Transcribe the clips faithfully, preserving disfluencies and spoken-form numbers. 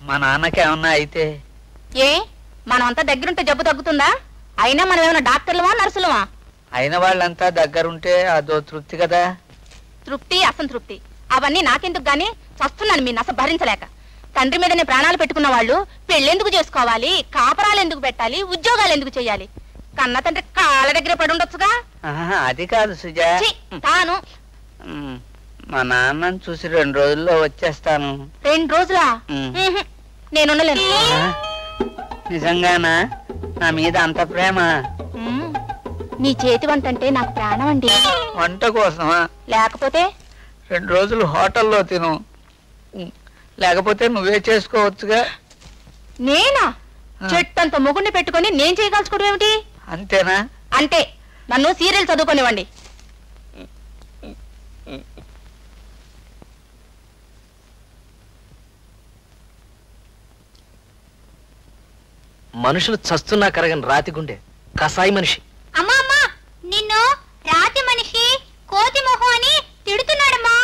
మా నాన్నకి ఏమన్నా అయితే? ఏ మనమంతా దగ్గరుంటే జబ్బు తగ్గుతుందా? అయినా మనం ఏమైనా డాక్టర్లమా నర్సులమా? అయిన వాళ్ళంతా దగ్గరుంటే అదో తృప్తి కదా. తృప్తి అసంతృప్తి అవన్నీ నాకెందుకు గాని, చస్తున్నాను మీ నస భరించలేక. తండ్రి మీదనే ప్రాణాలు పెట్టుకున్న వాళ్ళు పెళ్ళెందుకు చేసుకోవాలి, కాపరాలు ఎందుకు పెట్టాలి, ఉద్యోగాలు ఎందుకు చెయ్యాలి? కన్న తండ్రి కాళ్ళ దగ్గర పడి ఉండొచ్చుగా. అది కాదు సుజా, తాను మా నాన్నని చూసి రెండు రోజుల్లో వచ్చేస్తాను. రెండు రోజులా? నేనుండలేను. నిజంగానా? నా మీద అంత ప్రేమ? నీ చేతి వంట అంటే నాకు ప్రాణం అండి. వంట కోసమా? లేకపోతే రెండు రోజులు హోటల్లో తిను, లేకపోతే నువ్వే చేసుకోవచ్చుగా. నేనా? చెట్టంత మొగుడిని పెట్టుకుని నేను చేయగలుచుకోవడం ఏమిటి? అంతేనా? అంతే. నన్ను సీరియల్ చదువుకోనివ్వండి. మనుషులు చస్తున్నా కరగని రాతి గుండె కసాయి మనిషి. అమ్మా అమ్మా, నిన్ను రాతి మనిషి కోతి మొహం అని తిడుతున్నాడమ్మా.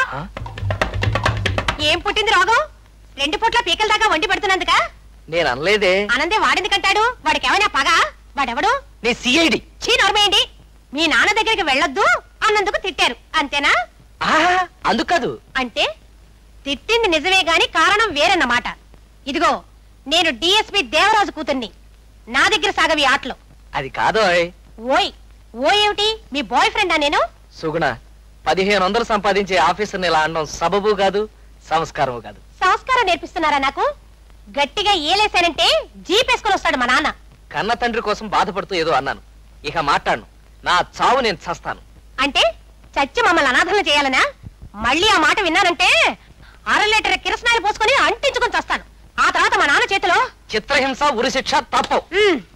ఏం పుట్టింది రోగం? రెండు పూట్ల పీకల దాకా వండి పెడుతున్నందుక? నేను అనలేదే. ఆనందే వాడిందుకంటాడు. వాడికి ఏమైనా పగ? వాడెవడు? నీ సిఐడి. చీ నోర్మేయండి. మీ నాన్న దగ్గరికి వెళ్ళొద్దు అన్నందుకు తిట్టారు అంతేనా? అందుకదు. అంటే తిట్టింది నిజమే గాని కారణం వేరన్నమాట. ఇదిగో, నేను డిఎస్పి దేవరాజు కూతుర్ని. నా దగ్గర సాగవి ఆటలు. అది కాదు. ఓయ్ ఓ ఏమిటి? మీ బాయ్ ఫ్రెండా నేను? సుగుణ, పదిహేను వందలు సంపాదించే ఆఫీసర్ని ఇలా అనడం సబబు కాదు, సంస్కారం కాదు. సంస్కారం నేర్పిస్తున్నారా నాకు? గట్టిగా ఏలేశానంటే జీపేసుకొని వస్తాడు మా నాన్న. కన్న తండ్రి కోసం బాధపడుతూ ఏదో అన్నాను. ఇక మాట్లాడను. నా చావు నేను చస్తాను. అంటే చచ్చి మమ్మల్ని అనాథలు చేయాలనా? మళ్ళీ ఆ మాట విన్నానంటే అర లీటర్ కిరసనాయలు పోసుకొని అంటించుకొని చస్తాను. ఆ తర్వాత మా నాన్న చేతిలో చిత్రహింస, ఉరి శిక్ష తప్పవు.